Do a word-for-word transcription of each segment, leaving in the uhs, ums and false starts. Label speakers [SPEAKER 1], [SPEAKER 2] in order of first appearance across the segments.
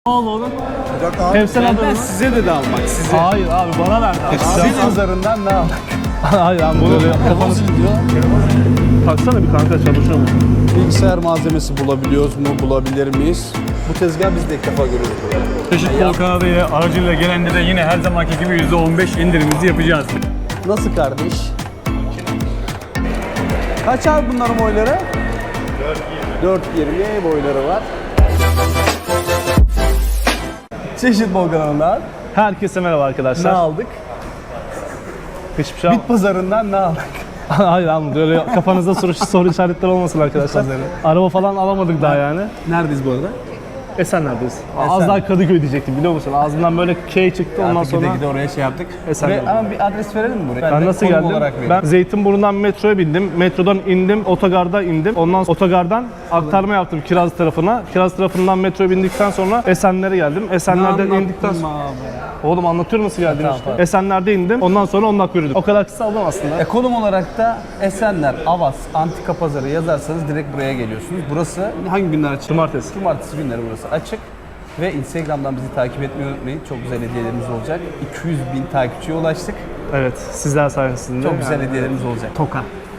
[SPEAKER 1] Al oğlum.
[SPEAKER 2] Sıcak abi.
[SPEAKER 1] Hep sen
[SPEAKER 2] Benden
[SPEAKER 1] adamı.
[SPEAKER 2] size dedi almak size.
[SPEAKER 1] Hayır abi bana verdi abi.
[SPEAKER 2] Sizin pazarından ne almak?
[SPEAKER 1] Hayır abi bunu kafanı
[SPEAKER 2] diyor.
[SPEAKER 1] taksana bir kanka çalışıyor mu?
[SPEAKER 2] Bilgisayar malzemesi bulabiliyoruz mu? Bulabilir miyiz? Bu tezgah biz de ilk defa görüyoruz.
[SPEAKER 3] Çeşit Bol Kanada'ya aracıyla gelenlere yine her zamanki gibi yüzde on beş indirimimizi yapacağız.
[SPEAKER 2] Nasıl kardeş? Kaç abi bunların boyları? dört yirmi boyları var. Çeşit Bol kanalından
[SPEAKER 1] Herkese merhaba arkadaşlar.
[SPEAKER 2] ne aldık?
[SPEAKER 1] Hiçbir şey
[SPEAKER 2] Bit pazarından ne aldık?
[SPEAKER 1] Hayır abi böyle kafanızda soru, soru işaretleri olmasın arkadaşlar.
[SPEAKER 2] Pazarı.
[SPEAKER 1] Araba falan alamadık daha yani.
[SPEAKER 2] Neredeyiz bu arada?
[SPEAKER 1] Esenler'deyiz. Az
[SPEAKER 2] Esen.
[SPEAKER 1] daha Kadıköy diyecektim biliyor musun? Ağzımdan böyle K çıktı ondan
[SPEAKER 2] Artık
[SPEAKER 1] sonra.
[SPEAKER 2] gide gide oraya şey yaptık.
[SPEAKER 1] Esenler.
[SPEAKER 2] Buraya, ama bir adres verelim mi buraya?
[SPEAKER 1] Ben
[SPEAKER 2] de
[SPEAKER 1] nasıl
[SPEAKER 2] konum
[SPEAKER 1] geldim?
[SPEAKER 2] olarak vereyim.
[SPEAKER 1] Ben Zeytinburnu'ndan metroya bindim. Metrodan indim, otogarda indim. Ondan sonra otogardan aktarma yaptım Kiraz tarafına. Kiraz tarafından metroya bindikten sonra Esenler'e geldim. Esenler'den
[SPEAKER 2] Ne
[SPEAKER 1] indikten
[SPEAKER 2] anlattın
[SPEAKER 1] sonra...
[SPEAKER 2] abi?
[SPEAKER 1] Oğlum anlatıyorum nasıl geldim
[SPEAKER 2] Tamam,
[SPEAKER 1] işte.
[SPEAKER 2] tamam.
[SPEAKER 1] Esenler'de indim. Ondan sonra on dakika yürüdüm. O kadar kısa aldım aslında.
[SPEAKER 2] E, konum olarak da Esenler, Avas, Antika Pazarı yazarsanız direkt buraya geliyorsunuz. Burası hangi günler açık?
[SPEAKER 1] Cumartesi.
[SPEAKER 2] Cumartesi günleri burası açık. Ve Instagram'dan bizi takip etmeyi unutmayın. Çok güzel hediyelerimiz olacak. iki yüz bin takipçiye ulaştık.
[SPEAKER 1] Evet, sizler sayesinde.
[SPEAKER 2] Çok güzel
[SPEAKER 1] Yani-
[SPEAKER 2] hediyelerimiz olacak. Toka.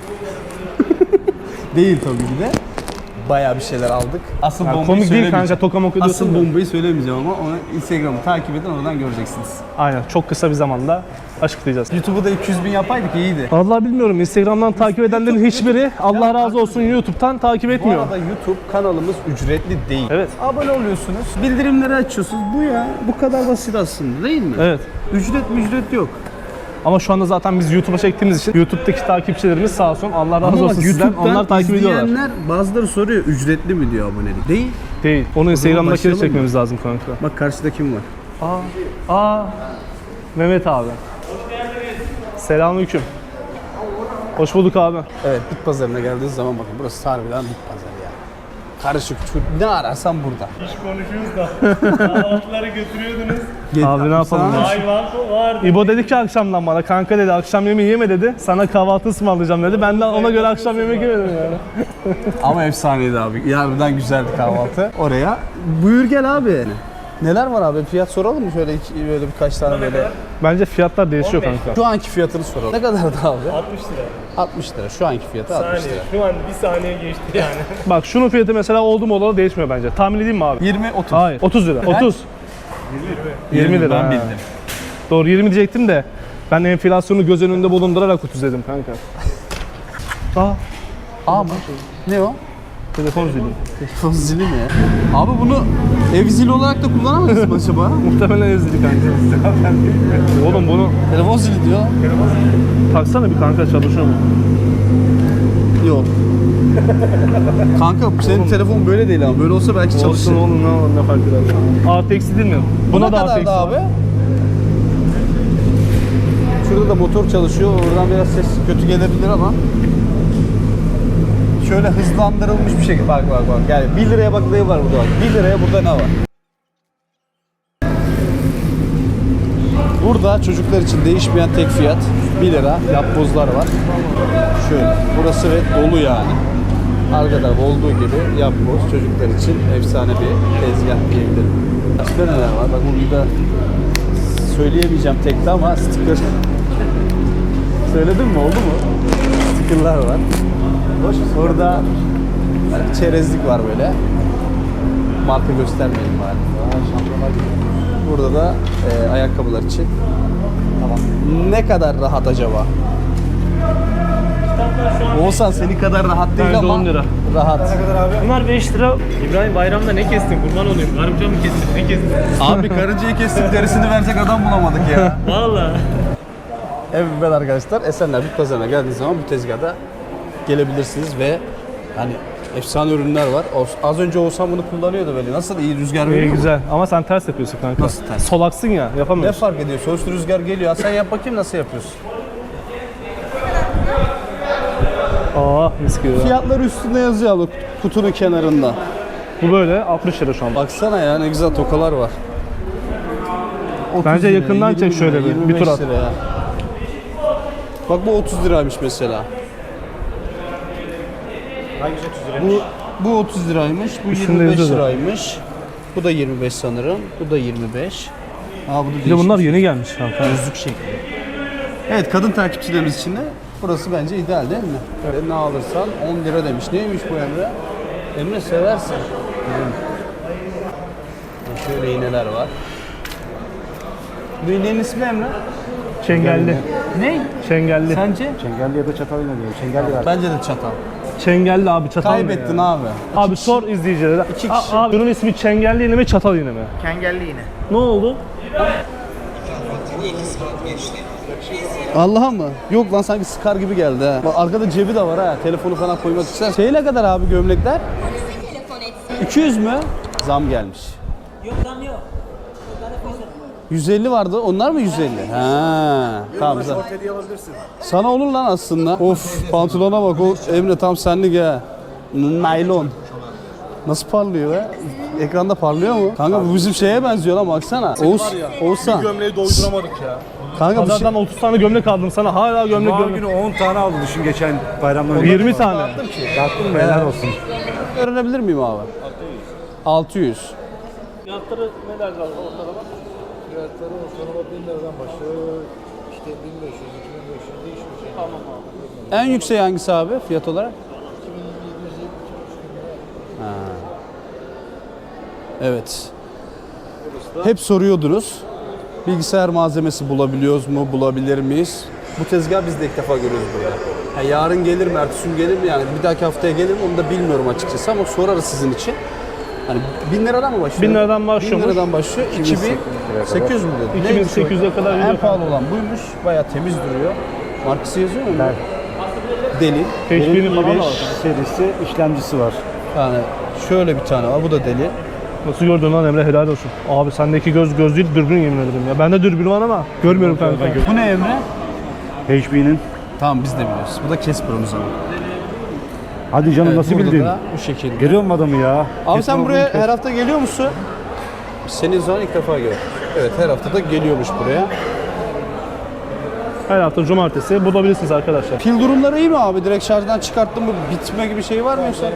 [SPEAKER 2] Değil tabii ki de. Bayağı bir şeyler aldık. Asıl
[SPEAKER 1] Yani
[SPEAKER 2] bombayı
[SPEAKER 1] komik değil
[SPEAKER 2] söylemeyeceğim.
[SPEAKER 1] kanka, toka moka diyorsun
[SPEAKER 2] Asıl
[SPEAKER 1] da.
[SPEAKER 2] bombayı söylemeyeceğim ama onu Instagram'ı takip edin, oradan göreceksiniz.
[SPEAKER 1] Aynen, çok kısa bir zamanda açıklayacağız.
[SPEAKER 2] YouTube'u da iki yüz bin yapaydık iyiydi.
[SPEAKER 1] Vallahi bilmiyorum, Instagram'dan takip edenlerin hiçbiri Allah razı olsun YouTube'tan takip
[SPEAKER 2] Bu
[SPEAKER 1] etmiyor.
[SPEAKER 2] arada YouTube kanalımız ücretli değil.
[SPEAKER 1] Evet.
[SPEAKER 2] Abone oluyorsunuz, bildirimleri açıyorsunuz. Bu ya, bu kadar basit aslında değil mi?
[SPEAKER 1] Evet.
[SPEAKER 2] Ücret mi ücret yok.
[SPEAKER 1] Ama şu anda zaten biz YouTube'a çektiğimiz için YouTube'daki takipçilerimiz sağ olsun Allah razı
[SPEAKER 2] Ama
[SPEAKER 1] olsun
[SPEAKER 2] bak
[SPEAKER 1] sizden.
[SPEAKER 2] YouTube'dan
[SPEAKER 1] Onlar takip ediyorlar.
[SPEAKER 2] izleyenler bazıları soruyor ücretli mi diyor abonelik. Değil.
[SPEAKER 1] Değil. Onu Instagram'dakini
[SPEAKER 2] başlayalım mı?
[SPEAKER 1] çekmemiz lazım kanka.
[SPEAKER 2] Bak karşıda kim var?
[SPEAKER 1] Aa, aa, Mehmet abi. Selamünaleyküm. Hoş bulduk abi.
[SPEAKER 2] Evet, bit pazarına geldiğiniz zaman bakın burası harbiden bit pazarı ya. Karışık çur, ne ararsan burada.
[SPEAKER 3] İş konuşuyoruz da kahvaltıları götürüyordunuz.
[SPEAKER 1] Abi ne yapalım ya?
[SPEAKER 3] Hayvan vardı.
[SPEAKER 1] İbo dedi ki akşamdan bana, kanka dedi akşam yemeği yeme dedi. Sana kahvaltı ısmarlayacağım dedi. Ben de ona göre akşam yemek yemedim yani.
[SPEAKER 2] Ama efsaneydi abi. Harbiden güzeldi kahvaltı. Oraya. Buyur gel abi. Neler var abi? Fiyat soralım mı? Şöyle iki, böyle birkaç tane böyle.
[SPEAKER 1] Bence fiyatlar değişiyor
[SPEAKER 3] on beş.
[SPEAKER 1] kanka.
[SPEAKER 2] Şu anki fiyatını soralım. Ne kadardı abi?
[SPEAKER 3] altmış lira.
[SPEAKER 2] altmış lira. Şu anki fiyatı altmış
[SPEAKER 3] Saniye.
[SPEAKER 2] lira.
[SPEAKER 3] Şu an bir saniye geçti yani.
[SPEAKER 1] Bak şunun fiyatı mesela oldu mu olalı değişmiyor bence. Tahmin edeyim mi abi?
[SPEAKER 2] yirmi otuz.
[SPEAKER 1] Hayır. otuz lira. otuz. yirmi lira.
[SPEAKER 2] Ben
[SPEAKER 1] ha.
[SPEAKER 2] bildim.
[SPEAKER 1] Doğru yirmi diyecektim de ben enflasyonu göz önünde bulundurarak otuz dedim kanka. Aa,
[SPEAKER 2] Aa mı? Ne o?
[SPEAKER 1] telefon zili.
[SPEAKER 2] Telefon zili mi? Abi bunu ev zili olarak da kullanamayız mı acaba?
[SPEAKER 1] Muhtemelen ev zili kanka. Oğlum bunu
[SPEAKER 2] Telefon zili diyor.
[SPEAKER 1] taksana bir kanka, çalışıyor mu?
[SPEAKER 2] Yok. Kanka senin telefon böyle değil ama böyle olsa belki çalışır.
[SPEAKER 1] Olsun oğlum, ne olur, ne fark eder. Artı eksi değil mi? Buna
[SPEAKER 2] ne
[SPEAKER 1] da artı
[SPEAKER 2] kadardı
[SPEAKER 1] eksi var.
[SPEAKER 2] abi? Şurada da motor çalışıyor. Oradan biraz ses kötü gelebilir ama. Şöyle hızlandırılmış bir şekilde. Bak bak bak. Yani bir liraya bak ne var burada bak. bir liraya burada ne var? Burada çocuklar için değişmeyen tek fiyat bir lira. Yapbozlar var. Şöyle. Burası ve dolu yani. Arkada olduğu gibi yapboz çocuklar için efsane bir tezgah diyebilirim. Başka neler var? Bak burada söyleyemeyeceğim tekte ama sticker. Söyledim mi? Oldu mu? Stickerlar var. Burada çerezlik var böyle. Marka göstermeyelim bari. Burada da e, ayakkabılar için. Tamam. Ne kadar rahat acaba? Oğuzhan senin kadar rahat değil
[SPEAKER 1] Bence
[SPEAKER 2] ama
[SPEAKER 1] on lira.
[SPEAKER 2] rahat.
[SPEAKER 3] Bunlar beş lira. İbrahim bayramda ne kestin? Kurban olayım. Karınca mı kestin? Ne kestin?
[SPEAKER 2] Abi karıncayı kestik, derisini verecek adam bulamadık ya.
[SPEAKER 3] Valla.
[SPEAKER 2] Evet arkadaşlar, Esenler Bit Pazarı'na geldiğiniz zaman bu tezgahda gelebilirsiniz ve hani efsane ürünler var. Az önce Oğuzhan bunu kullanıyordu böyle. Nasıl, iyi rüzgar
[SPEAKER 1] İyi
[SPEAKER 2] veriyor mu?
[SPEAKER 1] güzel ama sen ters yapıyorsun kanka.
[SPEAKER 2] Nasıl ters?
[SPEAKER 1] Solaksın ya,
[SPEAKER 2] Ne
[SPEAKER 1] yapamıyorsun.
[SPEAKER 2] fark ediyor? Sonuçta rüzgar geliyor. Ha, sen yap bakayım nasıl yapıyorsun?
[SPEAKER 1] Aa mis gibi.
[SPEAKER 2] Fiyatları üstünde yazıyor abi kutunun kenarında.
[SPEAKER 1] Bu böyle altmış lira şu an.
[SPEAKER 2] Baksana ya ne güzel tokalar var. otuz
[SPEAKER 1] Bence
[SPEAKER 2] lira,
[SPEAKER 1] yakından
[SPEAKER 2] yirmi
[SPEAKER 1] çek
[SPEAKER 2] lira,
[SPEAKER 1] şöyle bir,
[SPEAKER 2] yirmi
[SPEAKER 1] bir
[SPEAKER 2] beş
[SPEAKER 1] tur at.
[SPEAKER 2] lira ya. Bak bu otuz liraymış mesela.
[SPEAKER 3] Hangisi otuz lira?
[SPEAKER 2] Bu bu otuz liraymış, bu
[SPEAKER 1] Üstünde
[SPEAKER 2] yirmi beş
[SPEAKER 1] yazıyor da.
[SPEAKER 2] liraymış. Bu da yirmi beş sanırım. Bu da yirmi beş. Aa bu da
[SPEAKER 1] Bir de
[SPEAKER 2] değişik.
[SPEAKER 1] bunlar yeni gelmiş kanka.
[SPEAKER 2] Gözlük şekli. Evet, kadın takipçilerimiz için de burası bence ideal değil mi? Böyle ne alırsan on lira demiş. Neymiş bu Emre? Emre seversin. Şöyle iğneler var. Bu iğnenin ismi Emre?
[SPEAKER 1] Çengelli.
[SPEAKER 2] Ne?
[SPEAKER 1] Çengelli.
[SPEAKER 2] Sence?
[SPEAKER 4] Çengelli ya da çatal inanıyor. Çengelli var.
[SPEAKER 2] Bence de çatal.
[SPEAKER 1] Çengelli abi, çatal mı
[SPEAKER 2] Kaybettin
[SPEAKER 1] ya?
[SPEAKER 2] abi.
[SPEAKER 1] Abi sor izleyicilere.
[SPEAKER 2] İki
[SPEAKER 1] A-
[SPEAKER 2] kişi.
[SPEAKER 1] Abi bunun ismi çengelli iğne mi, çatal iğne mi?
[SPEAKER 4] Çengelli yine.
[SPEAKER 1] Ne oldu?
[SPEAKER 2] Allah'a mı? Yok lan, sanki sıkar gibi geldi ha. Bak arkada cebi de var ha. Telefonu falan koymak ister. Şey ne kadar abi gömlekler? iki yüz mü? Zam gelmiş.
[SPEAKER 5] Yok zam yok.
[SPEAKER 2] yüz elli vardı. Onlar mı yüz elli? Ha. Tamam güzel. Sana olur lan aslında. Of, pantolona bak. O Emre tam senlik ha. Naylon. Nasıl parlıyor be? Ekranda parlıyor mu? Kanka bu bizim şeye benziyor lan, baksana. Oğuz, Oğuzhan.
[SPEAKER 1] Gömleği doyduramadık ya.
[SPEAKER 2] Kanka bu şey...
[SPEAKER 1] Pazardan otuz tane gömlek aldım sana. Hala gömlek
[SPEAKER 4] Cuma
[SPEAKER 1] gömlek.
[SPEAKER 4] günü on tane aldı düşün geçen bayramdan.
[SPEAKER 1] yirmi tane.
[SPEAKER 4] Dağıttın mı? Helal olsun.
[SPEAKER 2] Öğrenebilir miyim abi? altı yüz.
[SPEAKER 1] Fiyatları ne derler ortalama?
[SPEAKER 6] Fiyatları ortalama bin liradan başlıyor. İşte bin beş yüz, iki bin beş yüz değişiyor. Şey.
[SPEAKER 1] Tamam abi.
[SPEAKER 2] En yüksek hangisi abi fiyat olarak? Ha. Evet. Hep soruyordunuz. Bilgisayar malzemesi bulabiliyoruz mu, bulabilir miyiz? Bu tezgah biz de ilk defa görüyoruz burada. Ha, yarın gelir mi, ertesi gün gelir mi, yani bir dahaki haftaya gelir mi onu da bilmiyorum açıkçası ama sorarız sizin için. Hani bin liradan mı başlıyor?
[SPEAKER 1] Bin liradan başlıyormuş.
[SPEAKER 2] Bin liradan başlıyor. iki bin sekiz yüz mü dedi?
[SPEAKER 1] iki bin sekiz yüze kadar
[SPEAKER 2] En
[SPEAKER 1] gidiyor.
[SPEAKER 2] pahalı olan buymuş. Bayağı temiz duruyor. Markası yazıyor mu? Deli.
[SPEAKER 1] H P'nin falan da var.
[SPEAKER 4] serisi işlemcisi var.
[SPEAKER 2] Yani şöyle bir tane var. Bu da deli.
[SPEAKER 1] Nasıl gördün lan Emre, helal olsun. Abi sendeki göz göz değil, dürbün yemin ederim ya. Bende dürbün var ama görmüyorum kanka.
[SPEAKER 2] Bu ne Emre?
[SPEAKER 4] H P'nin.
[SPEAKER 2] Tamam, biz de biliyoruz. Bu da Casper'ın zaman.
[SPEAKER 4] Hadi canım
[SPEAKER 2] Evet,
[SPEAKER 4] nasıl
[SPEAKER 2] burada
[SPEAKER 4] bildin?
[SPEAKER 2] da bu şekilde.
[SPEAKER 4] Görüyor musun adamı ya?
[SPEAKER 2] Abi
[SPEAKER 4] Kesin
[SPEAKER 2] sen
[SPEAKER 4] olduğunu
[SPEAKER 2] buraya
[SPEAKER 4] kes-
[SPEAKER 2] her hafta geliyor musun? Senin zaman ilk defa gördüm. Evet, her hafta da geliyormuş buraya.
[SPEAKER 1] Her hafta cumartesi bulabilirsiniz arkadaşlar.
[SPEAKER 2] Pil durumları iyi mi abi? Direkt şarjdan çıkarttın mı bitme gibi şey var mı yoksa?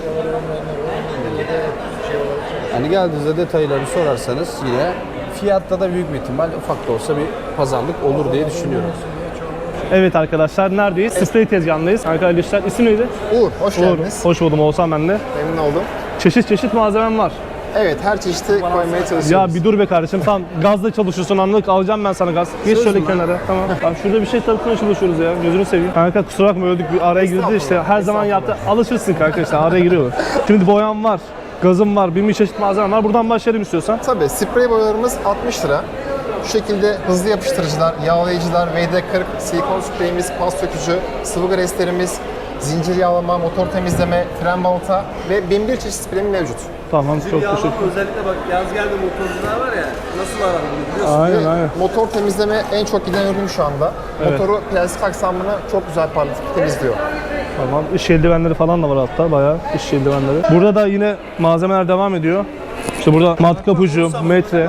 [SPEAKER 2] Hani geldiğinizde detayları sorarsanız yine fiyatta da büyük bir ihtimal ufak da olsa bir pazarlık olur diye düşünüyorum.
[SPEAKER 1] Evet arkadaşlar, neredeyiz? Sprey tezgahındayız. Arkadaşlar isim neydi?
[SPEAKER 6] Uğur, hoş
[SPEAKER 1] Uğur.
[SPEAKER 6] geldiniz.
[SPEAKER 1] Hoş buldum, Oğuzhan ben de.
[SPEAKER 6] Memnun oldum.
[SPEAKER 1] Çeşit çeşit malzemem var.
[SPEAKER 6] Evet, her çeşidi koymaya çalışıyoruz.
[SPEAKER 1] Ya bir dur be kardeşim, tam gazla çalışıyorsun, anlık alacağım ben sana gaz. Geç
[SPEAKER 2] Söz
[SPEAKER 1] şöyle
[SPEAKER 2] mü?
[SPEAKER 1] kenara, tamam. Bak şurada bir şey takmaya çalışıyoruz ya, gözünü seveyim. Kanka kusura bakma, öldük, bir araya girdi işte, her zaman yaptı. Alışırsın kanka işte, araya giriyorlar. Şimdi boyam var, gazım var, bin bir çeşit malzemem var. Buradan başlayalım istiyorsan.
[SPEAKER 6] Tabii, sprey boyalarımız altmış lira. Şu şekilde hızlı yapıştırıcılar, yağlayıcılar, V D kırk, silikon spreyimiz, pas sökücü, sıvı greslerimiz, zincir yağlama, motor temizleme, fren balata ve bin bir çeşit spreyim mevcut.
[SPEAKER 1] Tamam, çok teşekkür.
[SPEAKER 2] Özellikle bak yaz geldi, motorcular var ya, nasıl aranır biliyorsun.
[SPEAKER 1] Aynen
[SPEAKER 6] Ve
[SPEAKER 1] aynen.
[SPEAKER 6] motor temizleme en çok giden ürün şu anda.
[SPEAKER 1] Evet.
[SPEAKER 6] Motoru plastik aksamını çok güzel parlatıp temizliyor.
[SPEAKER 1] Tamam, iş eldivenleri falan da var hatta, bayağı iş eldivenleri. Burada da yine malzemeler devam ediyor. İşte burada matkap ucu, metre.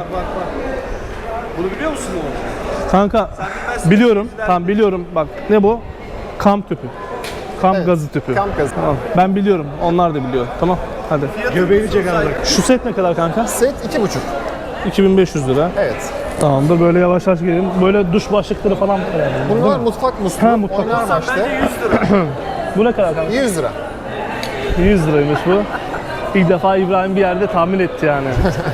[SPEAKER 2] Bunu biliyor musun oğlum?
[SPEAKER 1] Kanka biliyorum, tamam biliyorum. Bak ne bu? Kamp tüpü. Kamp
[SPEAKER 6] Evet,
[SPEAKER 1] gazı tüpü.
[SPEAKER 6] Kamp gazı.
[SPEAKER 1] Tamam, ben biliyorum, onlar da biliyor. Tamam, hadi.
[SPEAKER 4] Göbeğini çek abi.
[SPEAKER 1] Şu set ne kadar kanka?
[SPEAKER 6] Set iki buçuk.
[SPEAKER 1] iki bin beş yüz lira.
[SPEAKER 6] Evet.
[SPEAKER 1] Tamamdır, böyle yavaş yavaş gelelim. Böyle duş başlıkları falan var yani.
[SPEAKER 6] Bunlar mutfak musluğu,
[SPEAKER 1] Ha, mutfak
[SPEAKER 6] oynar başlı.
[SPEAKER 1] Bu ne kadar kanka?
[SPEAKER 6] yüz lira.
[SPEAKER 1] yüz liraymış bu. İlk defa İbrahim bir yerde tahmin etti yani.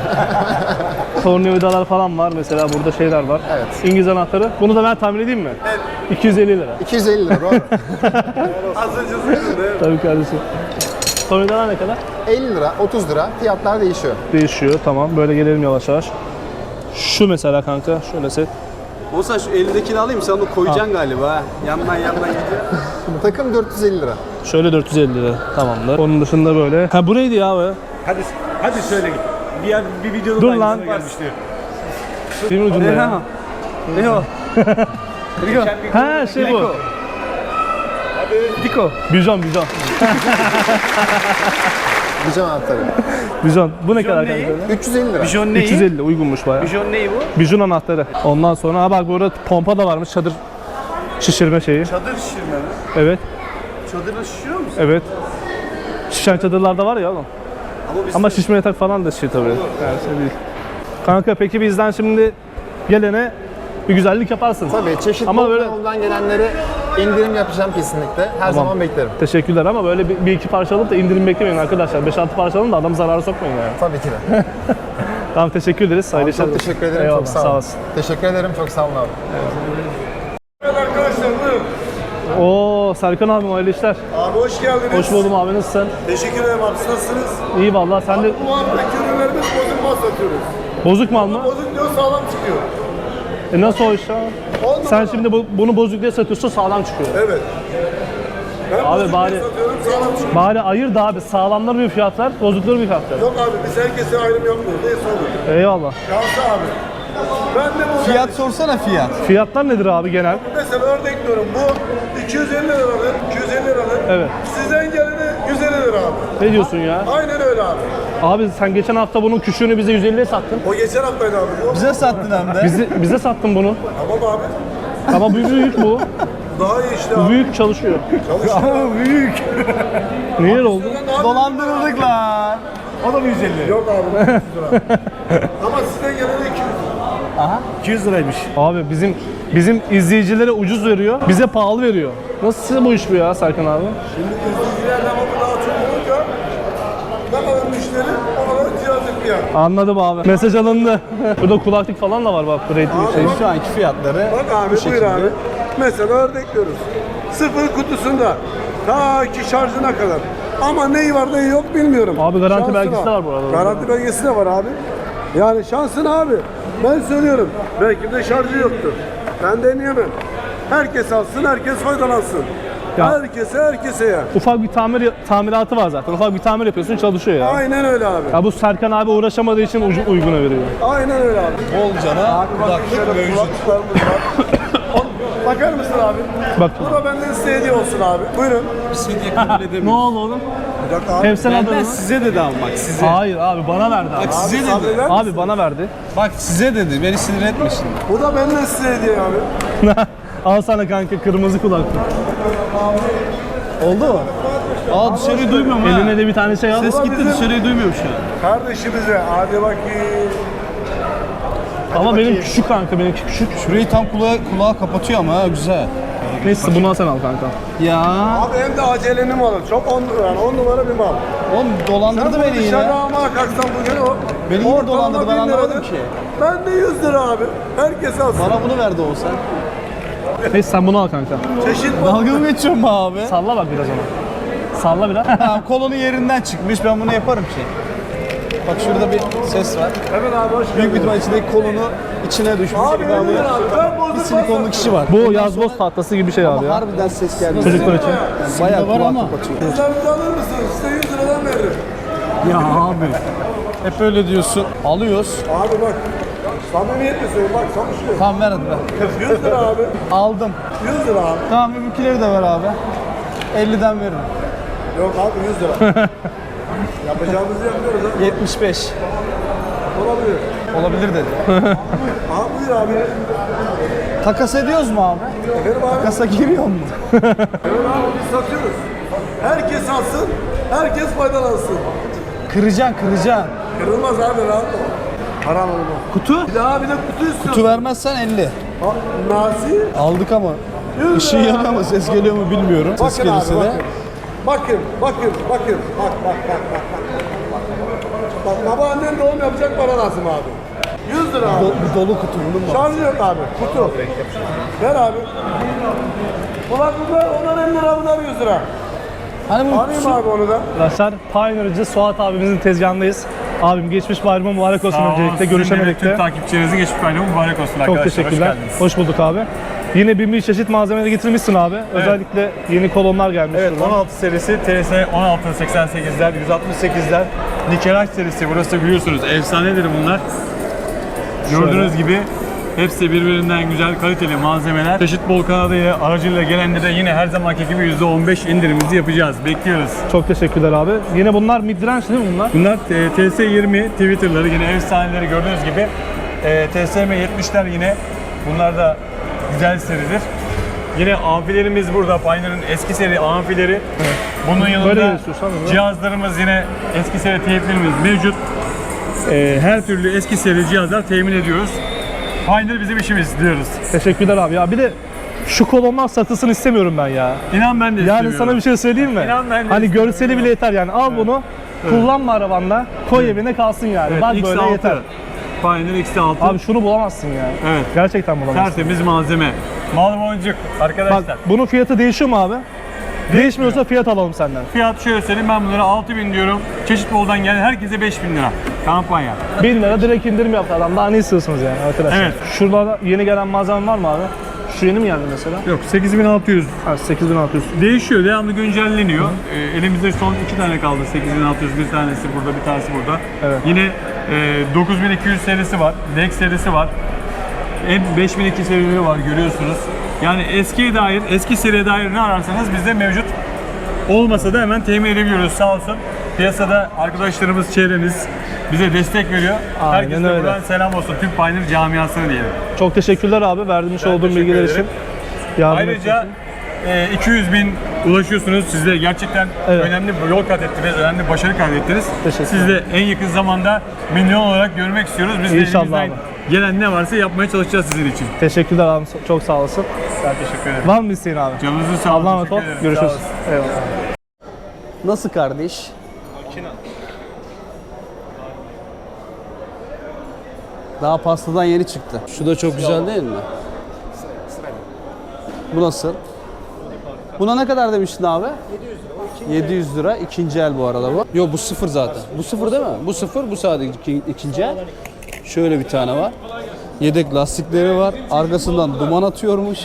[SPEAKER 1] Tornavidalar falan var mesela, burada şeyler var.
[SPEAKER 6] Evet.
[SPEAKER 1] İngiliz anahtarı. Bunu da ben tahmin edeyim mi? Evet. iki yüz elli lira.
[SPEAKER 6] iki yüz elli lira doğru.
[SPEAKER 2] Az önce söyledin.
[SPEAKER 1] Tabii kardeşim. Tornavidalar ne kadar?
[SPEAKER 6] elli lira, otuz lira fiyatlar değişiyor.
[SPEAKER 1] Değişiyor, tamam. Böyle gelelim yavaş yavaş. Şu mesela kanka, şöyle set.
[SPEAKER 2] Olsa şu elindekini alayım, sen onu koyacaksın galiba ha. Yandan yandan gidiyor.
[SPEAKER 6] Takım dört yüz elli lira.
[SPEAKER 1] Şöyle dört yüz elli lira, tamamdır. Onun dışında böyle. Ha buraydı ya be.
[SPEAKER 4] Hadi hadi söyle git. Bir, bir videoda
[SPEAKER 1] Dur
[SPEAKER 4] da
[SPEAKER 1] lan.
[SPEAKER 4] aynısına gelmişti.
[SPEAKER 1] Bir ucunda ya.
[SPEAKER 2] Ne o?
[SPEAKER 1] Ha şey bu.
[SPEAKER 2] Diko.
[SPEAKER 1] Bijon, bijon.
[SPEAKER 6] Bijon anahtarı.
[SPEAKER 1] Bijon. Bu ne kadar
[SPEAKER 4] neyi?
[SPEAKER 1] kanka?
[SPEAKER 6] üç yüz elli lira.
[SPEAKER 4] Bijon
[SPEAKER 1] üç yüz elli uygunmuş bayağı.
[SPEAKER 4] Bijon neyi bu?
[SPEAKER 1] Bijon anahtarı. Ondan sonra ha bak burada pompa da varmış, çadır şişirme şeyi.
[SPEAKER 2] Çadır şişirme mi?
[SPEAKER 1] Evet,
[SPEAKER 2] Çadırla şişiyor musun?
[SPEAKER 1] evet. Şişen çadırlarda var ya oğlum. Ama şişme yatak falan da şey tabii. Yani şey değil. Kanka peki bizden şimdi gelene bir güzellik yaparsın.
[SPEAKER 6] Tabii çeşit
[SPEAKER 1] Ama
[SPEAKER 6] bol
[SPEAKER 1] böyle-
[SPEAKER 6] yoldan gelenlere indirim yapacağım kesinlikle. Her zaman beklerim.
[SPEAKER 1] Teşekkürler ama böyle bir, bir iki parça alıp da indirim beklemeyin arkadaşlar. beş altı parça alın da adamı zarara sokmayın yani.
[SPEAKER 6] Tabii ki de.
[SPEAKER 1] Tamam teşekkür ederiz. Hayırlı
[SPEAKER 6] Çok
[SPEAKER 1] işler.
[SPEAKER 6] teşekkür ederim.
[SPEAKER 1] Eyvallah,
[SPEAKER 6] Çok sağ
[SPEAKER 1] sağ
[SPEAKER 6] olun.
[SPEAKER 1] olasın.
[SPEAKER 6] Teşekkür ederim. Çok sağ olun abi.
[SPEAKER 4] Arkadaşlar buyurun.
[SPEAKER 1] Oo Serkan abim hayırlı işler.
[SPEAKER 4] Abi hoş geldiniz.
[SPEAKER 1] Hoş buldum abi, nasılsın?
[SPEAKER 4] Teşekkür ederim abi. Siz nasılsınız?
[SPEAKER 1] İyi vallahi sen de
[SPEAKER 4] Bu haftaki ürünlerimiz bozuk mal satıyoruz.
[SPEAKER 1] bozuk mal mı?
[SPEAKER 4] Bozuk diyor sağlam çıkıyor.
[SPEAKER 1] E nasıl o iş ya?
[SPEAKER 4] On
[SPEAKER 1] Sen
[SPEAKER 4] numara.
[SPEAKER 1] şimdi bu, bunu bozuk diye satıyorsun sağlam çıkıyor.
[SPEAKER 4] Evet. Ben
[SPEAKER 1] Abi
[SPEAKER 4] bozuk
[SPEAKER 1] bari-
[SPEAKER 4] diye satıyorum sağlam çıkıyor.
[SPEAKER 1] Bari ayır da abi sağlamları bir fiyat ver, bozukları bir fiyat ver.
[SPEAKER 4] Yok abi biz herkese ayrım yapmıyoruz. Neyse olur.
[SPEAKER 1] Eyvallah.
[SPEAKER 4] Şansı abi. Ben de bu
[SPEAKER 2] Fiyat sorsana fiyat.
[SPEAKER 1] Fiyatlar nedir abi genel?
[SPEAKER 4] mesela örnek diyorum bu iki yüz elli liralık, iki yüz elli liralık.
[SPEAKER 1] Evet.
[SPEAKER 4] Sizden geleni yüz elli lira abi.
[SPEAKER 1] Ne diyorsun ya?
[SPEAKER 4] Aynen öyle abi.
[SPEAKER 1] Abi sen geçen hafta bunun küçüğünü bize yüz elliye sattın.
[SPEAKER 4] O geçen haftaydı abi. Bu.
[SPEAKER 2] Bize sattın hem de.
[SPEAKER 1] Bizi, bize sattın bunu.
[SPEAKER 4] Tamam abi.
[SPEAKER 1] Ama bu büyük bu.
[SPEAKER 4] Daha iyi işte
[SPEAKER 1] Bu
[SPEAKER 4] abi.
[SPEAKER 1] büyük çalışıyor.
[SPEAKER 4] Çalışıyor. büyük.
[SPEAKER 1] Niye öyle oldu?
[SPEAKER 2] Dolandırıldık lan.
[SPEAKER 4] O da mı yüz elli? Yok abi. yüz lira. Ama sizden geleni iki yüz.
[SPEAKER 1] iki yüz liraymış. Abi bizim bizim izleyicilere ucuz veriyor, bize pahalı veriyor. Nasıl bu iş bu ya Serkan abi?
[SPEAKER 4] Şimdi izleyicilerden ama daha çok olunca ne kadar müşteri o kadar cihazlık bir yer.
[SPEAKER 1] Anladım abi. Mesaj alındı. Burada kulaklık falan da var bak. Rating şey.
[SPEAKER 2] Şu anki fiyatları
[SPEAKER 4] Bak abi
[SPEAKER 2] bu
[SPEAKER 4] buyur
[SPEAKER 2] şekilde.
[SPEAKER 4] abi. Mesela örnekliyoruz. Sıfır kutusunda ta ki şarjına kadar. Ama neyi var neyi yok bilmiyorum.
[SPEAKER 1] Abi garanti
[SPEAKER 4] Şansına.
[SPEAKER 1] belgesi de var bu arada.
[SPEAKER 4] Garanti belgesi de var abi. Yani şansın abi. Ben söylüyorum. Belki de şarjı yoktur. Ben deneyemem. Herkes alsın, herkes faydalansın.
[SPEAKER 1] Ya-
[SPEAKER 4] Herkese, herkese ya.
[SPEAKER 1] Ufak bir tamir tamiratı var zaten. Ufak bir tamir yapıyorsun çalışıyor ya.
[SPEAKER 4] Aynen öyle abi.
[SPEAKER 1] Ya bu Serkan abi uğraşamadığı için ucu, uyguna veriyor.
[SPEAKER 4] Aynen öyle abi.
[SPEAKER 2] Bolcana kulaklık mevcut.
[SPEAKER 4] Kulaklıklarımız var. On- Bakar mısın abi?
[SPEAKER 1] Bak.
[SPEAKER 4] Bu da benden size hediye olsun abi. Buyurun.
[SPEAKER 1] Ne oldu oğlum?
[SPEAKER 4] Bir dakika abi.
[SPEAKER 1] Hep sen aldın
[SPEAKER 2] Benden
[SPEAKER 1] mı?
[SPEAKER 2] size dedi ama bak size.
[SPEAKER 1] Hayır abi bana verdi abi.
[SPEAKER 2] Bak size dedi.
[SPEAKER 4] Sabreler misin?
[SPEAKER 1] Abi bana verdi.
[SPEAKER 2] Bak size dedi. Beni sinir etme şimdi.
[SPEAKER 4] Bu da benden size hediye abi.
[SPEAKER 1] Al sana kanka kırmızı kulaklık.
[SPEAKER 2] Oldu mu? Aa dışarıyı duymuyorum ha.
[SPEAKER 1] Eline de bir tane şey al.
[SPEAKER 2] Ses gitti
[SPEAKER 4] bizim-
[SPEAKER 2] dışarıyı duymuyorum şu an.
[SPEAKER 4] Kardeşimize hadi bakayım.
[SPEAKER 1] Ama benim küçük kanka, benimki küçük.
[SPEAKER 2] Şurayı tam kulağa, kulağa kapatıyor ama ha güzel.
[SPEAKER 1] Neyse bunu al sen al kanka.
[SPEAKER 2] Ya.
[SPEAKER 4] Abi hem de acelenin malı. Çok on, yani on numara bir mal.
[SPEAKER 2] Oğlum dolandırdı
[SPEAKER 4] Sen
[SPEAKER 2] beni
[SPEAKER 4] bunu dışarıda
[SPEAKER 2] yine.
[SPEAKER 4] almaya kalksan bugün o.
[SPEAKER 2] Beni yine
[SPEAKER 4] ortalama
[SPEAKER 2] dolandırdı, ben
[SPEAKER 4] bin
[SPEAKER 2] anlamadım
[SPEAKER 4] liradır.
[SPEAKER 2] ki.
[SPEAKER 4] Ben de yüz lira abi. Herkes alsın.
[SPEAKER 2] Bana bunu verdi olsan.
[SPEAKER 1] Neyse sen bunu al kanka.
[SPEAKER 4] Çeşit
[SPEAKER 2] Dalga mı geçiyorsun be abi?
[SPEAKER 1] Salla bak biraz ona. Salla biraz.
[SPEAKER 2] Tamam kolonu yerinden çıkmış ben bunu yaparım ki. Bak şurada bir ses var.
[SPEAKER 4] Hemen abi hoş
[SPEAKER 2] Büyük
[SPEAKER 4] geldin.
[SPEAKER 2] bir ihtimal içindeki kolonu içine düşmüş.
[SPEAKER 4] Abi
[SPEAKER 2] ben
[SPEAKER 4] elli
[SPEAKER 2] bunu
[SPEAKER 4] lira abi. Ben
[SPEAKER 2] bir
[SPEAKER 4] bozuk
[SPEAKER 2] silikonlu
[SPEAKER 4] varsa-
[SPEAKER 2] kişi var.
[SPEAKER 1] Bu yazboz tahtası gibi bir şey abi ya.
[SPEAKER 2] Harbiden ses geldi.
[SPEAKER 1] Çocuklar için.
[SPEAKER 2] Yani bayağı var ama. Kapatıyor.
[SPEAKER 4] Sizlerinizi alır mısınız? Size yüz liradan veririm.
[SPEAKER 2] Ya abi. Hep öyle diyorsun. Alıyoruz.
[SPEAKER 4] Abi bak. Samimiyetle söylüyorum bak çalışıyor.
[SPEAKER 2] Tamam ver hadi ver.
[SPEAKER 4] yüz lira abi.
[SPEAKER 2] Aldım.
[SPEAKER 4] yüz lira abi.
[SPEAKER 2] Tamam öbürküleri de ver abi. elliden veririm.
[SPEAKER 4] Yok abi yüz lira. Yapacağımızı yapıyoruz ha.
[SPEAKER 2] yetmiş beş.
[SPEAKER 4] Olabilir.
[SPEAKER 2] Olabilir dedi.
[SPEAKER 4] Abi buyur abi.
[SPEAKER 2] Takas ediyoruz mu abi?
[SPEAKER 4] Efendim abi.
[SPEAKER 2] Takasa giriyor mu?
[SPEAKER 4] Evet abi biz satıyoruz. Herkes alsın. Herkes faydalansın.
[SPEAKER 2] Kıracaksın kıracaksın.
[SPEAKER 4] Kırılmaz abi rahat ol. Haram olma.
[SPEAKER 2] Kutu?
[SPEAKER 4] Bir daha bir de kutu istiyorsun.
[SPEAKER 2] Kutu vermezsen elli.
[SPEAKER 4] Ha, Nasi.
[SPEAKER 2] Aldık ama. Işığı yanıyor mu ses geliyor mu bilmiyorum. Ses
[SPEAKER 4] Bakın
[SPEAKER 2] gelirse
[SPEAKER 4] abi
[SPEAKER 2] de.
[SPEAKER 4] bakın. Bakın, bakın, bakın. Bak, bak, bak, bak, bak. Bak babaannen doğum yapacak para lazım abi. yüz lira abi.
[SPEAKER 2] Do- bu dolu kutu bunun mu?
[SPEAKER 4] Şarjı yok abi. Kutu. Ver abi. Ulan bunlar, onlar elli lira, bunlar yüz lira.
[SPEAKER 2] Hani bu
[SPEAKER 4] Arayayım abi onu da.
[SPEAKER 1] Arkadaşlar Pioneer'cı Suat abimizin tezgahındayız. Abim geçmiş bayramı mübarek olsun öncelikle. Görüşemedik
[SPEAKER 3] Tüm
[SPEAKER 1] de.
[SPEAKER 3] takipçilerinizin geçmiş bayramı mübarek olsun
[SPEAKER 1] Çok
[SPEAKER 3] arkadaşlar.
[SPEAKER 1] teşekkürler.
[SPEAKER 3] Hoş geldiniz.
[SPEAKER 1] Hoş bulduk abi. Yine bin bir çeşit malzemeleri getirmişsin abi. Özellikle yeni kolonlar gelmiş.
[SPEAKER 3] Evet
[SPEAKER 1] şuradan.
[SPEAKER 3] on altı serisi T S on altı seksen sekizler, yüz altmış sekizler, Nikelaj serisi burası biliyorsunuz efsanedir bunlar. Gördüğünüz gibi hepsi birbirinden güzel kaliteli malzemeler. Çeşit bol kanadıyla aracıyla gelenlere yine her zamanki gibi yüzde on beş indirimimizi yapacağız. Bekliyoruz.
[SPEAKER 1] Çok teşekkürler abi. Yine bunlar midrange değil mi bunlar?
[SPEAKER 3] Bunlar e, T S yirmi Twitter'ları yine efsaneleri gördüğünüz gibi. E, T S M yetmişler yine. Bunlar da güzel seridir. Yine amfilerimiz burada. Pioneer'ın eski seri amfileri. Bunun
[SPEAKER 1] Böyle
[SPEAKER 3] yanında
[SPEAKER 1] geliştiriyorsun, değil mi?
[SPEAKER 3] cihazlarımız yine eski seri teyplerimiz mevcut. Ee, her türlü eski seri cihazlar temin ediyoruz. Pioneer bizim işimiz diyoruz.
[SPEAKER 1] Teşekkürler abi ya. Bir de şu kolonlar satılsın istemiyorum ben ya.
[SPEAKER 3] İnan ben de
[SPEAKER 1] Yani
[SPEAKER 3] istemiyorum.
[SPEAKER 1] sana bir şey söyleyeyim mi?
[SPEAKER 3] İnan ben de
[SPEAKER 1] Hani
[SPEAKER 3] istemiyorum.
[SPEAKER 1] görseli bile yeter yani. Al bunu, kullanma arabanda, koy evine kalsın yani.
[SPEAKER 3] Evet,
[SPEAKER 1] Bak
[SPEAKER 3] X
[SPEAKER 1] böyle
[SPEAKER 3] altı.
[SPEAKER 1] yeter.
[SPEAKER 3] Pioneer X altı.
[SPEAKER 1] Abi şunu bulamazsın ya.
[SPEAKER 3] Evet.
[SPEAKER 1] Gerçekten bulamazsın.
[SPEAKER 3] Tertemiz malzeme. Mal boncuk arkadaşlar.
[SPEAKER 1] Bak bunun fiyatı değişiyor mu abi? Değişmiyorsa fiyat alalım senden.
[SPEAKER 3] Fiyat şöyle söyleyeyim, ben bunlara altı bin diyorum. Çeşit boldan gelen herkese beş bin lira. Kampanya.
[SPEAKER 1] bin lira direkt indirim yaptı adam. Daha ne istiyorsunuz yani arkadaşlar?
[SPEAKER 3] Evet.
[SPEAKER 1] Şurada yeni gelen malzeme var mı abi? Şu yeni mi geldi mesela?
[SPEAKER 3] Yok, sekiz bin altı yüz.
[SPEAKER 1] Ha, sekiz bin altı yüz.
[SPEAKER 3] Değişiyor, devamlı güncelleniyor. Ee, elimizde son iki tane kaldı. sekiz bin altı yüz, bir tanesi burada, bir tanesi burada.
[SPEAKER 1] Evet.
[SPEAKER 3] Yine e, dokuz bin iki yüz serisi var. Dex serisi var. En beş bin iki serileri var, görüyorsunuz. Yani eskiye dair, eski seriye dair ne ararsanız bizde mevcut. Olmasa da hemen temin edebiliyoruz, sağ olsun. Piyasada arkadaşlarımız, çevremiz bize destek veriyor.
[SPEAKER 1] Aynen
[SPEAKER 3] Herkese
[SPEAKER 1] öyle.
[SPEAKER 3] buradan selam olsun. Tüm Pioneer camiasına diyelim.
[SPEAKER 1] Çok teşekkürler abi verdiğiniz olduğum
[SPEAKER 3] teşekkür
[SPEAKER 1] bilgiler için.
[SPEAKER 3] ederim.
[SPEAKER 1] Yardım
[SPEAKER 3] Ayrıca e, iki yüz bin ulaşıyorsunuz. Siz de gerçekten
[SPEAKER 1] Evet.
[SPEAKER 3] önemli bir yol kat ettiniz, önemli başarı kaydettiniz.
[SPEAKER 1] Teşekkür
[SPEAKER 3] Siz de en yakın zamanda milyon olarak görmek istiyoruz. Biz de
[SPEAKER 1] İnşallah
[SPEAKER 3] elimizden
[SPEAKER 1] abi.
[SPEAKER 3] gelen ne varsa yapmaya çalışacağız sizin için.
[SPEAKER 1] Teşekkürler abi. Çok sağ olasın.
[SPEAKER 3] Ben teşekkür ederim.
[SPEAKER 1] Var mı isteğin abi?
[SPEAKER 3] Canınızı sağ olun.
[SPEAKER 1] Allah'a emanet ol.
[SPEAKER 3] teşekkür ederim.
[SPEAKER 1] Görüşürüz.
[SPEAKER 3] Sağ olasın.
[SPEAKER 1] Eyvallah.
[SPEAKER 2] Nasıl kardeş? Daha pastadan yeni çıktı. Şu da çok güzel değil mi? Bu nasıl? Buna ne kadar demiştin abi? yedi yüz lira. İkinci el bu arada bu. Yok bu sıfır zaten. Bu sıfır değil mi? Bu sıfır, bu sadece iki- ikinci el. Şöyle bir tane var. Yedek lastikleri var. Arkasından duman atıyormuş.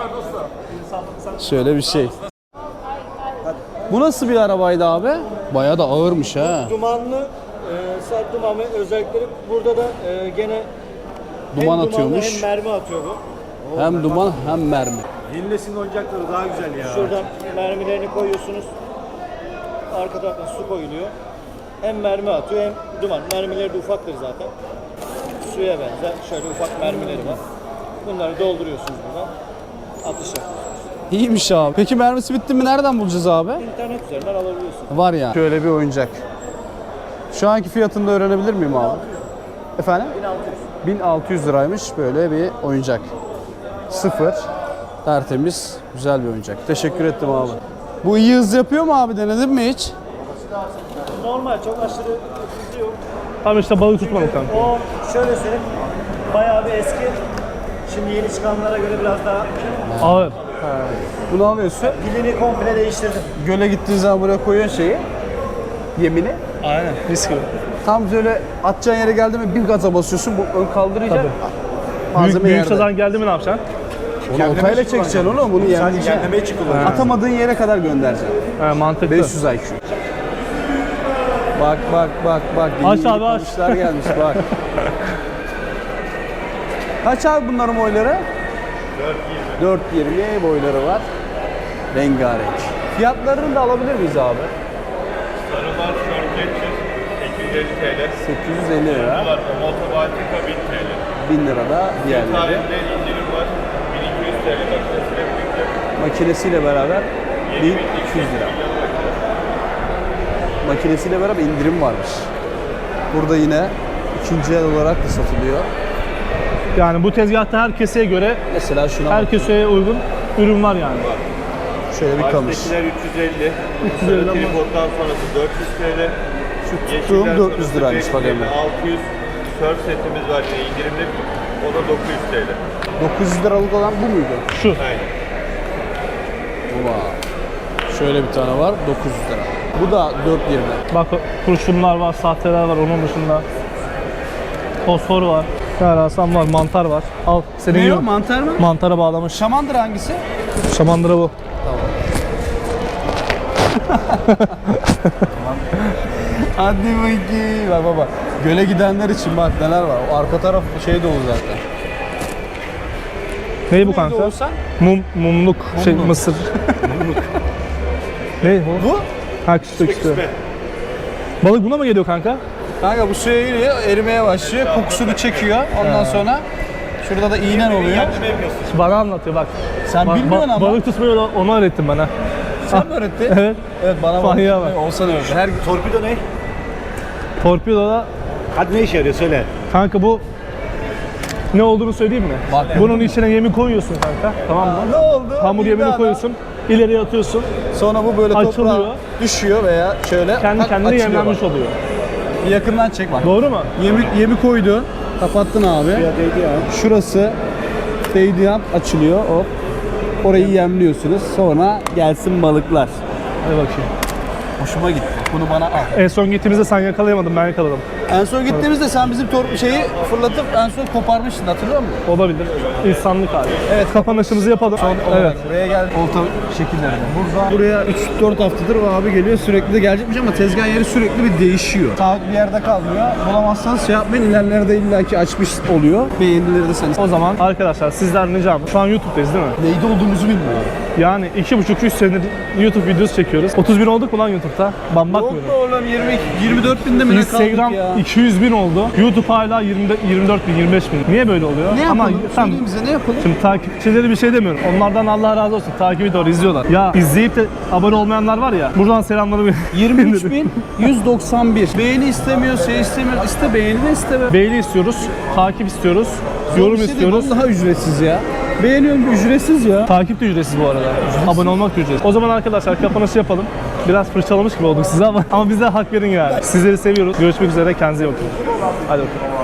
[SPEAKER 2] Şöyle bir şey. Bu nasıl bir arabaydı abi? Bayağı da ağırmış ha.
[SPEAKER 5] Dumanlı, e, sert duman ve özellikleri burada da e, gene
[SPEAKER 2] Duman
[SPEAKER 5] hem
[SPEAKER 2] atıyormuş.
[SPEAKER 5] dumanlı hem mermi atıyor bu.
[SPEAKER 2] Hem duman hem mermi.
[SPEAKER 5] Hilles'in oyuncakları daha güzel ya. Şuradan mermilerini koyuyorsunuz. Arka taraftan su koyuluyor. Hem mermi atıyor hem duman. Mermileri de ufaktır zaten. Suya benzer. Şöyle ufak mermileri var. Bunları dolduruyorsunuz buradan. Atış yapıyorsunuz.
[SPEAKER 2] İyiymiş abi. Peki mermisi bitti mi nereden bulacağız abi?
[SPEAKER 5] İnternet üzerinden alabiliyorsunuz.
[SPEAKER 2] Var ya. Şöyle bir oyuncak. Şu anki fiyatını da öğrenebilir miyim abi? Efendim?
[SPEAKER 5] bin altı yüz.
[SPEAKER 2] bin altı yüz liraymış böyle bir oyuncak. Sıfır. Tertemiz. Güzel bir oyuncak. Teşekkür ettim abi. Bu iyi hız yapıyor mu abi? Denedin mi hiç?
[SPEAKER 5] Normal, çok aşırı hızlı yok.
[SPEAKER 1] Tam işte balık tutmadık kanka.
[SPEAKER 5] O şöyle söyleyeyim, bayağı bir eski. Şimdi yeni çıkanlara göre biraz daha
[SPEAKER 1] Ağır.
[SPEAKER 2] Bunu alıyorsun.
[SPEAKER 5] pilini komple değiştirdim.
[SPEAKER 2] Göle gittiğin zaman buraya koyuyorsun şeyi. Yemini.
[SPEAKER 1] Aynen. Riskli.
[SPEAKER 2] Tam böyle atacağın yere geldi mi bir gaza basıyorsun. Bu ön kaldıracak.
[SPEAKER 1] Tabii.
[SPEAKER 2] Malzeme
[SPEAKER 1] Büyük, büyük
[SPEAKER 2] yerde.
[SPEAKER 1] sazan geldi mi ne yapacaksın?
[SPEAKER 2] Onu oltayla çekeceksin oğlum. Bunu yemleyeceksin. Atamadığın yere kadar göndereceksin.
[SPEAKER 1] He, mantıklı.
[SPEAKER 2] beş yüz I Q. Bak bak bak bak. Yeni
[SPEAKER 1] Aç
[SPEAKER 2] yeni
[SPEAKER 1] abi, aç.
[SPEAKER 2] kamışlar gelmiş bak. Kaç abi bunların boyları? dört yirmi boyları var. Rengarenk. Fiyatlarını da alabilir miyiz abi?
[SPEAKER 7] Sarı var, Short sekiz yüz elli TL.
[SPEAKER 2] sekiz yüz elli lira.
[SPEAKER 7] Var, Motobaltika bin TL.
[SPEAKER 2] bin lira da diğerleri.
[SPEAKER 7] Tarihinde indirim var, bin iki yüz TL makinesiyle birlikte.
[SPEAKER 2] Makinesiyle beraber bin iki yüz lira. Makinesiyle beraber indirim varmış. Burada yine ikinci el olarak da satılıyor.
[SPEAKER 1] Yani bu tezgahta her keseye göre,
[SPEAKER 2] Mesela şuna
[SPEAKER 1] her
[SPEAKER 2] bak.
[SPEAKER 1] keseye uygun ürün var yani.
[SPEAKER 2] Şöyle bir kamış.
[SPEAKER 7] Baştakiler üç yüz elli.
[SPEAKER 1] üç yüz elli ama-
[SPEAKER 7] Tripod'dan sonrası dört yüz TL.
[SPEAKER 2] Şu
[SPEAKER 7] Yeşiller
[SPEAKER 2] tuttuğum dört yüz
[SPEAKER 7] sonrası
[SPEAKER 2] liraymış bak
[SPEAKER 7] beş yüz elli,
[SPEAKER 2] Emre.
[SPEAKER 7] altı yüz surf setimiz var yine indirimli. O da dokuz yüz TL.
[SPEAKER 2] dokuz yüz liralık olan bu muydu?
[SPEAKER 1] Şu.
[SPEAKER 7] Aynen.
[SPEAKER 2] Uva. Şöyle bir tane var dokuz yüz lira. Bu da dört yirmi.
[SPEAKER 1] Bak kurşunlar var, sahteler var onun dışında. Fosfor var. Yarasam var, mantar var. Al senin
[SPEAKER 2] Ne
[SPEAKER 1] gibi.
[SPEAKER 2] o, mantar mı?
[SPEAKER 1] Mantara bağlamış.
[SPEAKER 2] Şamandır hangisi?
[SPEAKER 1] Şamandıra bu.
[SPEAKER 2] Hadi bakayım. Bak baba. Göle gidenler için bak neler var. O arka taraf şey dolu zaten.
[SPEAKER 1] Ney bu
[SPEAKER 2] Neydi
[SPEAKER 1] kanka?
[SPEAKER 2] Oğuzhan?
[SPEAKER 1] Mum, mumluk, şey mısır. ne bu?
[SPEAKER 2] Bu?
[SPEAKER 1] Ha küstü küstü. Balık buna mı geliyor kanka?
[SPEAKER 2] Kanka bu suya giriyor, erimeye başlıyor, kokusunu çekiyor. Ondan sonra şurada da iğnen oluyor.
[SPEAKER 1] Bana anlatıyor bak.
[SPEAKER 2] Sen
[SPEAKER 1] Ba-
[SPEAKER 2] bilmiyorsun
[SPEAKER 1] ba-
[SPEAKER 2] ama.
[SPEAKER 1] Balık tutmayı ona- onu öğrettim bana.
[SPEAKER 2] Sen mi öğrettin?
[SPEAKER 1] Evet.
[SPEAKER 2] Evet bana bak.
[SPEAKER 1] Manyağa bak.
[SPEAKER 2] Olsan öğretti. Her
[SPEAKER 5] Torpido ne?
[SPEAKER 1] Torpidoda
[SPEAKER 5] Hadi ne işe yarıyor söyle.
[SPEAKER 1] kanka bu ne olduğunu söyleyeyim mi?
[SPEAKER 2] Bak.
[SPEAKER 1] Bunun içine yemi koyuyorsun kanka. Tamam mı?
[SPEAKER 2] Ne oldu?
[SPEAKER 1] Hamur
[SPEAKER 2] Bir
[SPEAKER 1] yemini
[SPEAKER 2] daha
[SPEAKER 1] koyuyorsun. İleriye atıyorsun.
[SPEAKER 2] Sonra bu böyle
[SPEAKER 1] Açılıyor.
[SPEAKER 2] toprağa düşüyor veya şöyle
[SPEAKER 1] Kendi
[SPEAKER 2] tak,
[SPEAKER 1] kendine
[SPEAKER 2] açılıyor
[SPEAKER 1] yemlenmiş
[SPEAKER 2] bak.
[SPEAKER 1] oluyor.
[SPEAKER 2] Bir yakından çek bak.
[SPEAKER 1] Doğru mu?
[SPEAKER 2] Yemi, yemi koydun. Kapattın abi.
[SPEAKER 5] Ya değdi ya.
[SPEAKER 2] Şurası değdiği an açılıyor. Hop. Orayı yemliyorsunuz. Sonra gelsin balıklar.
[SPEAKER 1] Hadi bakayım.
[SPEAKER 2] Hoşuma gitti. Bunu bana al.
[SPEAKER 1] En son gittiğimizde sen yakalayamadın, ben yakaladım.
[SPEAKER 2] En son gittiğimizde sen bizim tor- şeyi fırlatıp en son koparmıştın, hatırlıyor musun?
[SPEAKER 1] Olabilir. İnsanlık hali.
[SPEAKER 2] Evet.
[SPEAKER 1] Kapanışımızı yapalım. Evet.
[SPEAKER 2] Buraya gel. Olta şekillerinde. Burada buraya üç dört haftadır o abi geliyor, sürekli de gelecekmiş ama tezgah yeri sürekli bir değişiyor. Sabit bir yerde kalmıyor. Bulamazsanız şey yapmayın, ilerlerde illaki açmış oluyor. Beğenileri de sen.
[SPEAKER 1] O zaman arkadaşlar sizden ricam, şu an YouTube'dayız değil mi?
[SPEAKER 2] Neydi olduğumuzu bilmiyorum.
[SPEAKER 1] Yani iki buçuk üç senedir YouTube videosu çekiyoruz. otuz bin olduk mu lan YouTube'da? Ben bakmıyorum.
[SPEAKER 2] oğlum yirmi yirmi dört binde mi ne kaldık
[SPEAKER 1] Instagram
[SPEAKER 2] ya?
[SPEAKER 1] iki yüz bin oldu. YouTube hala yirmi, yirmi dört bin, yirmi beş bin. Niye böyle oluyor?
[SPEAKER 2] Ne yapalım?
[SPEAKER 1] Ama tamam.
[SPEAKER 2] Söyleyin bize, ne yapalım?
[SPEAKER 1] Şimdi takipçileri bir şey demiyorum. Onlardan Allah razı olsun. Takibi doğru izliyorlar. Ya izleyip de abone olmayanlar var ya. Buradan selamlarımı
[SPEAKER 2] yirmi üç bin yüz doksan bir. Beğeni istemiyor, şey istemiyor. İste beğeni de isteme.
[SPEAKER 1] Beğeni istiyoruz, takip istiyoruz, yorum
[SPEAKER 2] Bir şey değil,
[SPEAKER 1] istiyoruz.
[SPEAKER 2] Vallahi ücretsiz ya. Beğeniyorum, ücretsiz ya.
[SPEAKER 1] Takip de ücretsiz bu arada. Abone olmak da ücretsiz. O zaman arkadaşlar kapanışı yapalım. Biraz fırçalamış gibi olduk size ama ama bize hak verin yani. Sizleri seviyoruz. Görüşmek üzere. Kendinize iyi bakın. Hadi bakalım.